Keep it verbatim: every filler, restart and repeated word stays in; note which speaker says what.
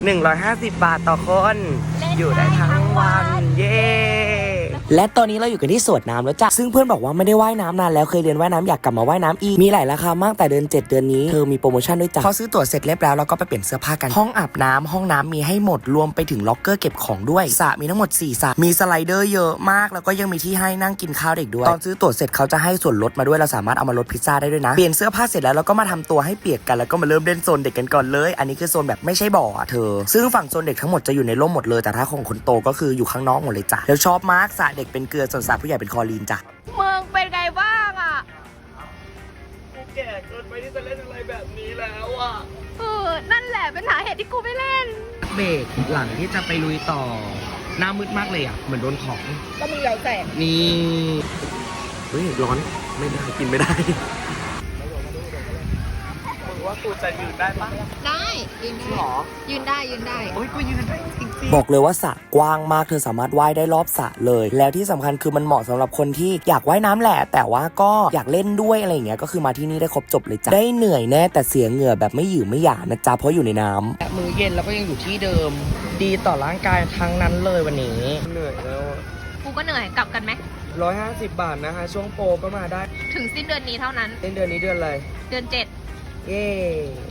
Speaker 1: หนึ่งร้อยห้าสิบบาทต่อคนอยู่ได้ทั้งวันเย้และตอนนี้เราอยู่กันที่สวนน้ำแล้วจ้ะซึ่งเพื่อนบอกว่าไม่ได้ว่ายน้ำนานแล้วเคยเรียนว่ายน้ำอยากกลับมาว่ายน้ำอีกมีหลายราคามากแต่เดือนเจ็ดเดือนนี้เธอมีโปรโมชั่นด้วยจ้ะพอซื้อตั๋วเสร็จเรียบร้อยเราก็ไปเปลี่ยนเสื้อผ้ากันห้องอาบน้ำห้องน้ำมีให้หมดรวมไปถึงล็อกเกอร์เก็บของด้วยสระมีทั้งหมดสี่สระมีสไลเดอร์เยอะมากแล้วก็ยังมีที่ให้นั่งกินข้าวเด็กด้วยตอนซื้อตั๋วเสร็จเขาจะให้ส่วนลดมาด้วยเราสามารถเอามาลดพิซซ่าได้ด้วยนะเปลี่ยนเสื้อผ้าเสร็จแล้วเราก็มาทำตัวให้เปียกกันแล้วก็มาเริ่มเล่นโซนเด็กกันก่อนเลยอันนี้คือโซนแบบไม่ใช่บ่อเธอซึ่งฝั่งโซนเด็กทั้งหมดจะอยู่ในร่มหมดเลยแต่ถ้าของคนโตก็คืออยู่ข้างนอกหมดเลยจ้ะแล้วชอบมากสระเด็กเป็นเกลือส่วนสระผู้ใหญ่เป็นคลอรีนจ้ะ
Speaker 2: เมืองเป็นไงบ้างอ่ะ
Speaker 1: กูแก่เกินไปที่จะเล่นอะไรแบบนี้แล้วอ่ะ
Speaker 2: เออนั่นแหละเป็นสาเหตุที่กูไม่เล่น
Speaker 1: เบรกหลังที่จะไปลุยต่อหน้ามืดมากเลยอ่ะเหมือนโดนของ
Speaker 2: ก็มึงเหลาแสง
Speaker 1: นี่เฮ้ยร้อนไม่ได้กินไม่ได้ว่ากูจะยืนได้ปะ
Speaker 2: ได้ยืนได้
Speaker 1: หรอ
Speaker 2: ยืนได้ยืนได้
Speaker 1: โอ้ยกูยืนได้จริงๆบอกเลยว่าสระกว้างมากเธอสามารถว่ายได้รอบสระเลยแล้วที่สำคัญคือมันเหมาะสำหรับคนที่อยากว่ายน้ำแหละแต่ว่าก็อยากเล่นด้วยอะไรอย่างเงี้ยก็คือมาที่นี่ได้ครบจบเลยจ้ะได้เหนื่อยแน่แต่เสียเหงื่อแบบไม่หยืดไม่หยานะจ๊ะเพราะอยู่ในน้ำมือเย็นแล้วก็ยังอยู่ที่เดิมดีต่อร่างกายทั้งนั้นเลยวันนี้เหนื่อยแล้ว
Speaker 2: กูก็เหนื่อยกลับกันไหม
Speaker 1: ร้อยห้าสิบบาทนะคะช่วงโปรก็มาได้
Speaker 2: ถึงสิ้นเดือนนี้เท่านั้น
Speaker 1: สิ้นเดือนนี้เดือนอะไร
Speaker 2: เดือนเจ็ด
Speaker 1: เย้